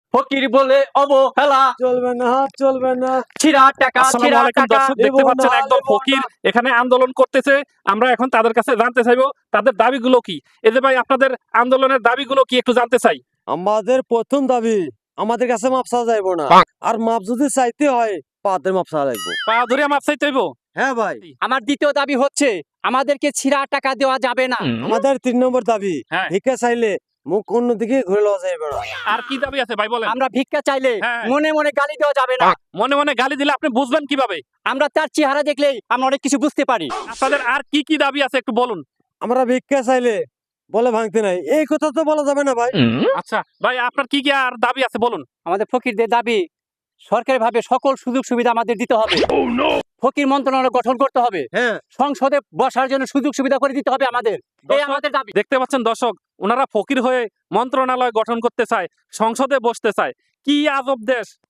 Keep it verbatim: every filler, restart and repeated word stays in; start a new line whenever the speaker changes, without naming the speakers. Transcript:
ফকির বলে অবহেলা
চলবে না চলবে না।
ছিড়া টাকা
আসসালামু
ছিড়া
আলাইকুম
টাকা
দর্শক, দেখতে
দেব
পাচ্ছেন
না,
একদল
দেব
ফকির
না।
এখানে আন্দোলন করতেছে। আমরা এখন তাদের কাছে জানতে চাইবো তাদের দাবিগুলো কি। এই যে ভাই, আপনাদের আন্দোলনের দাবিগুলো কি একটু জানতে চাই।
আমাদের প্রথম দাবি, আমাদের কাছে মাপ চাওয়া যাইবো না। আর মাপ যদি চাইতে হয় পাদের মাপ চাওয়া লাগবে।
পা ধরে মাপ চাইতে হইব।
হ্যাঁ ভাই,
আমার দ্বিতীয় দাবি হচ্ছে আমাদেরকে ছিড়া টাকা দেওয়া যাবে না।
আমাদের তিন নম্বর দাবি,
হ্যাঁ।
ভিক্ষা চাইলে মুখ অন্যদিকে ঘুরে লওয়া যাইবে না।
আর কি দাবি আছে ভাই বলেন।
আমরা ভিক্ষা চাইলে
হ্যাঁ।
মনে মনে গালি দেওয়া যাবে না।
মনে মনে গালি দিলে আপনি বুঝবেন কিভাবে?
আমরা তার চেহারা দেখলেই আমরা অনেক কিছু বুঝতে পারি।
আপনাদের আর কি কি দাবি আছে একটু বলুন।
আমরা ভিক্ষা চাইলে বলে ভাঙতে নাই, এই কথা তো বলা যাবে না ভাই।
আচ্ছা ভাই, আপনার কি কি আর দাবি আছে বলুন।
আমাদের ফকিরদের দাবি সরকারি ভাবে সকল সুযোগ সুবিধা আমাদের দিতে হবে। ফকির মন্ত্রণালয় গঠন করতে হবে।
হ্যাঁ,
সংসদে বসার জন্য সুযোগ সুবিধা করে দিতে হবে আমাদের। এই
দর্শক,
আমাদের দাবি।
দেখতে পাচ্ছেন দর্শক, ওনারা ফকির হয়ে মন্ত্রণালয় গঠন করতে চায়, সংসদে বসতে চায়। কি আজব দেশ!